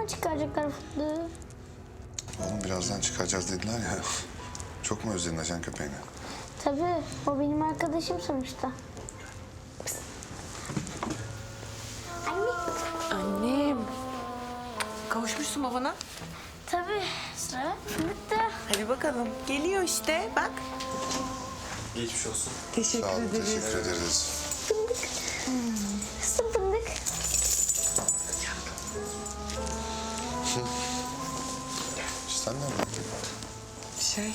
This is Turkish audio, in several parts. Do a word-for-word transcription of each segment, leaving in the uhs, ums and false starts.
çıkaracaklar fındığı? Oğlum birazdan çıkaracağız dediler ya. Çok mu özledin ajan köpeğini? Tabii, o benim arkadaşım sonuçta. Anne. Annem. Kavuşmuşsun babana. Tabii, sıra fındıkta. Hadi bakalım. Geliyor işte bak. Geçmiş olsun. Teşekkür Sağ olun, ederiz. teşekkür ederiz. Fındık. Kızım fındık. Sen ne yaptın? Şey.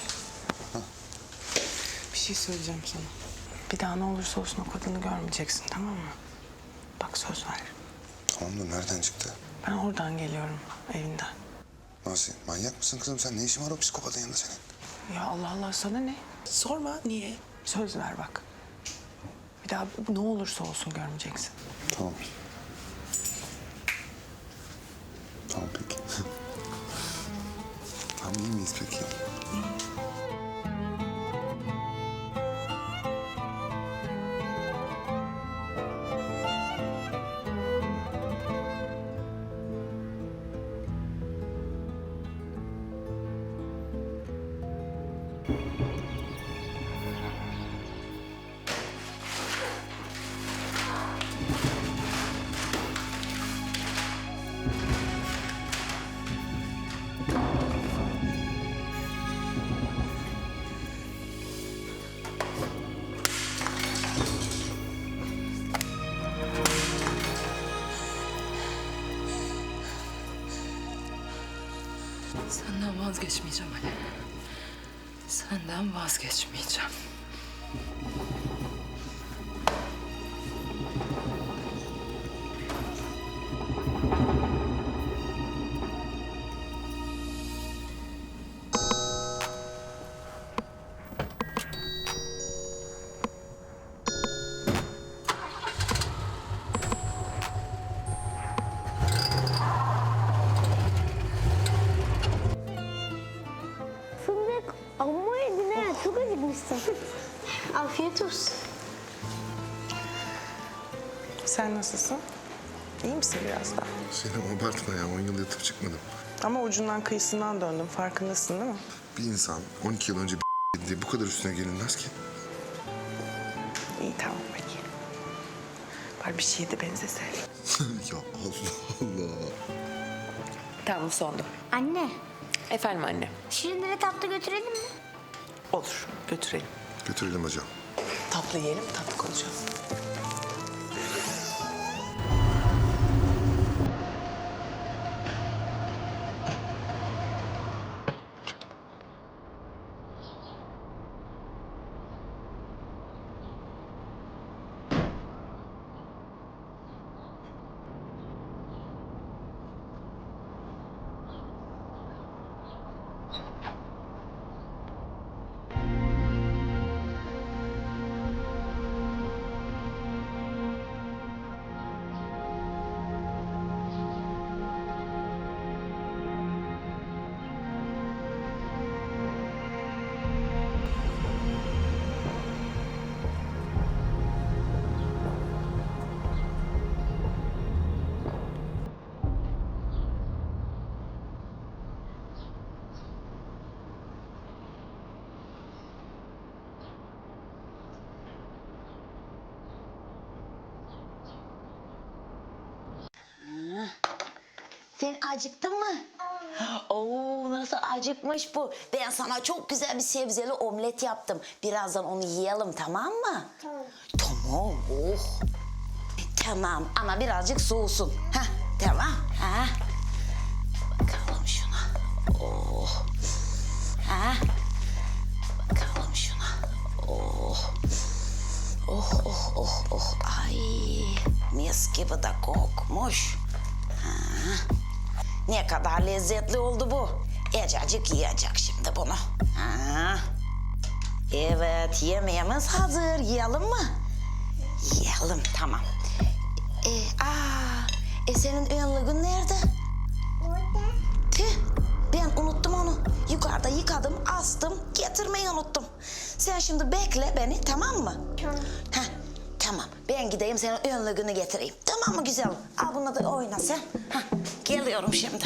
Bir şey söyleyeceğim sana. Bir daha ne olursa olsun o kadını görmeyeceksin, tamam mı? Bak söz ver. Tamam da nereden çıktı? Ben oradan geliyorum, evinden. Nasıl? Manyak mısın kızım sen? Ne işin var o psikopatın yanında senin? Ya Allah Allah, sana ne? Sorma, niye? Söz ver bak. Bir daha ne olursa olsun görmeyeceksin. Tamam. Tamam peki. Tamam iyi miyiz peki? Senden vazgeçmeyeceğim Ali. Senden vazgeçmeyeceğim. Fındık, amma yedin ha. Çok acıkmışsın. Afiyet olsun. Sen nasılsın? İyi misin biraz daha? Selim abartma ya. On yıl yatıp çıkmadım. Ama ucundan kıyısından döndüm, farkındasın değil mi? Bir insan on iki yıl önce bir diye bu kadar üstüne gelinmez ki. İyi, tamam peki. Bari bir şeye de benzese. Ya Allah Allah. Tamam, sondu. Anne, Efendim anne. şirinleri tatlı götürelim mi? Olur, götürelim. Götürelim hocam. Tatlı yiyelim, tatlı konuşalım. Sen acıktın mı? Oo, nasıl acıkmış bu? Ben sana çok güzel bir sebzeli omlet yaptım. Birazdan onu yiyelim, tamam mı? Tamam. Tamam, oh. Tamam ama birazcık soğusun. Heh, tamam. Ha. Bakalım şuna. Oh. Ha. Bakalım şuna. Oh. Oh, oh, oh, oh. Ay, mis gibi de kokmuş. Ha. Ne kadar lezzetli oldu bu. Ecacık yiyecek şimdi bunu. Ha. Evet, yemeğimiz hazır. Yiyelim mi? Yiyelim, tamam. E, aa, e senin önlüğün nerede? Orada. Tüh, ben unuttum onu. Yukarıda yıkadım, astım, getirmeyi unuttum. Sen şimdi bekle beni, tamam mı? Tamam. Heh, tamam. Ben gideyim senin önlüğünü getireyim. Tamam mı güzelim? Al bunu da oyna sen. Heh, Geliyorum şimdi.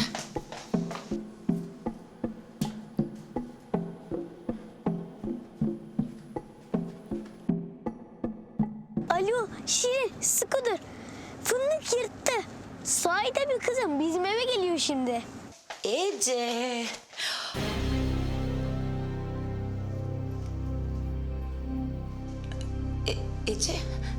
Alo Şirin sıkı dur. Fındık yırttı. Sahide bir kızım bizim eve geliyor şimdi. Ece. E, Ece.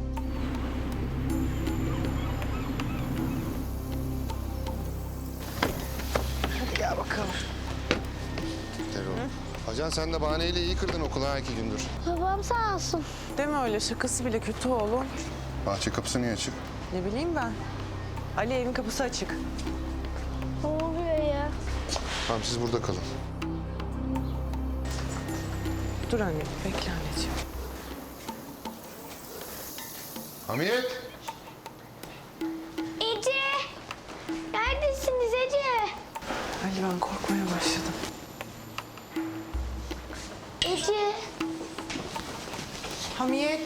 Hadi gel bakalım. Erol. Ajan sen de bahaneyle iyi kırdın okula ha iki gündür. Babam sağ olsun. Deme öyle, şakası bile kötü oğlum. Bahçe kapısı niye açık? Ne bileyim ben. Ali, evin kapısı açık. Ne oluyor ya? Tamam siz burada kalın. Dur anne, bekle anneciğim. Hamiyet! Ece! Neredesiniz Ece? Ali, ben korkmaya başladım. Ece! Hamiyet.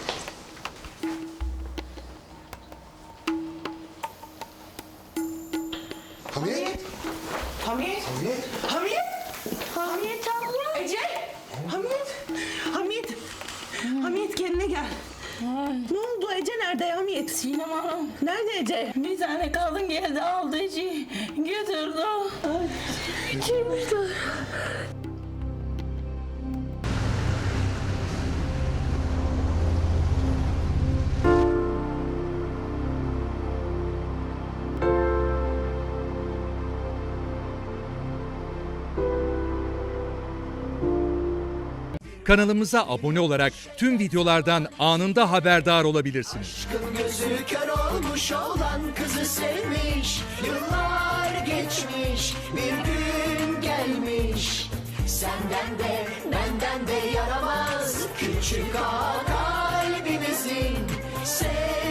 Hamiyet! Hamiyet. Hamiyet! Hamiyet. Hamiyet abla! Ece. Hamiyet. Hamiyet. Hamiyet, kendine gel. Ne oldu? Ece nerede Hamiyet? Sinem Hanım, Nerede Ece? bir tane kadın geldi aldı içi götürdü. Kaçırmışlar. Kanalımıza abone olarak tüm videolardan anında haberdar olabilirsiniz. Gözü kör olmuş olan kızı sevmiş. Yıllar geçmiş, bir gün gelmiş. Senden de benden de yaramaz küçük ağa kalbimizin.